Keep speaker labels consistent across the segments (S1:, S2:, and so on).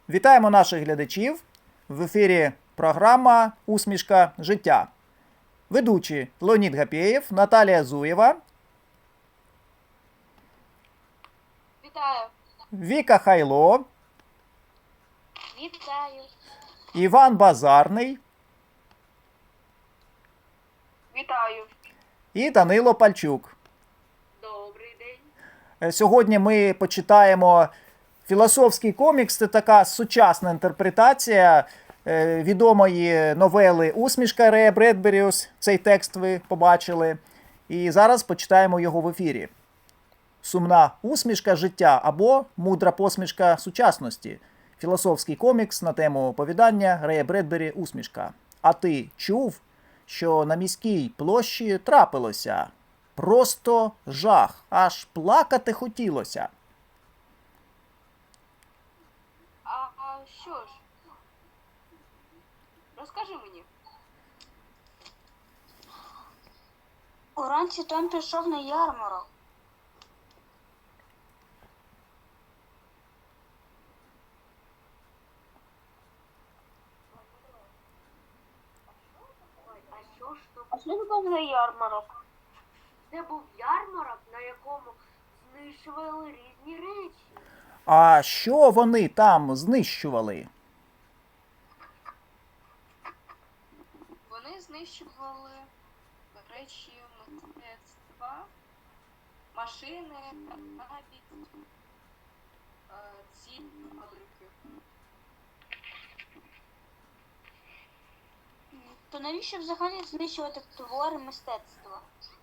S1: Вітаємо наших глядачів. В ефірі програма «Усмішка життя». Ведучі Леонід Гапєєв, Наталія Зуєва.
S2: Вітаю.
S1: Віка Хайло.
S2: Вітаю.
S1: Іван Базарний.
S2: Вітаю.
S1: І Данило Пальчук.
S2: Добрий день.
S1: Сьогодні ми почитаємо філософський комікс. Це така сучасна інтерпретація відомої новели «Усмішка» Рея Бредберіус. Цей текст ви побачили. І зараз почитаємо його в ефірі. «Сумна усмішка життя» або «Мудра посмішка сучасності». Філософський комікс на тему оповідання Рея Бредбері «Усмішка». А ти чув, що на міській площі трапилося? Просто жах, аж плакати хотілося.
S2: А що ж? Розкажи мені.
S3: Уранці Том пішов на ярмарок.
S2: А що це був за ярмарок? Це був ярмарок, на якому знищували різні речі.
S1: А що вони там знищували?
S4: Вони знищували речі мистецтва, машини, навіть ці фабрики.
S3: То навіщо взагалі знищувати твори мистецтва?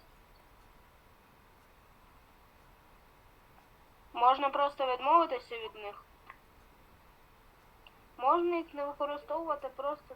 S2: Можна просто відмовитися від них. Можна їх не використовувати просто.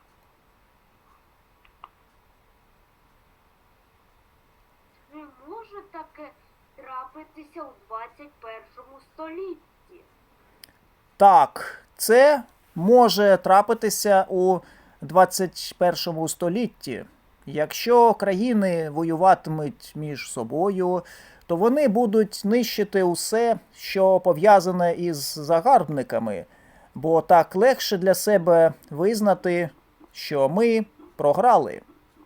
S2: Не може таке трапитися у 21 столітті.
S1: Так, це може трапитися у 21 столітті. Якщо країни воюватимуть між собою, то вони будуть нищити усе, що пов'язане із загарбниками, бо так легше для себе визнати, що ми програли.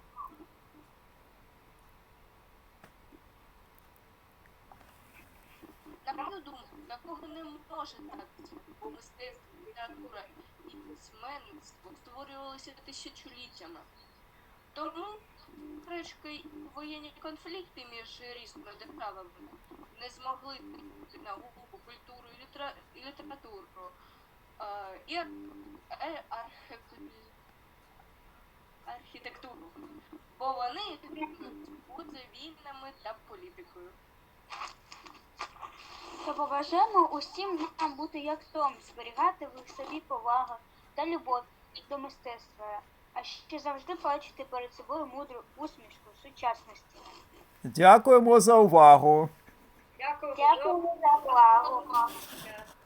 S4: На мою думку, такого не може трапитися, бо мистецтво, література і письменництво створювалися тисячоліттями. Тому, речки, воєнні конфлікти між різними державами не змогли вплинути на науку, культуру і літературу, і архітектуру, бо вони поза війнами та політикою.
S3: То побажаємо усім нам бути як Том, зберігати в собі повагу та любов до мистецтва, а ще завжди бачити перед собою мудру усмішку сучасності.
S1: Дякуємо за увагу!
S2: Дякую.
S3: Дякую за увагу.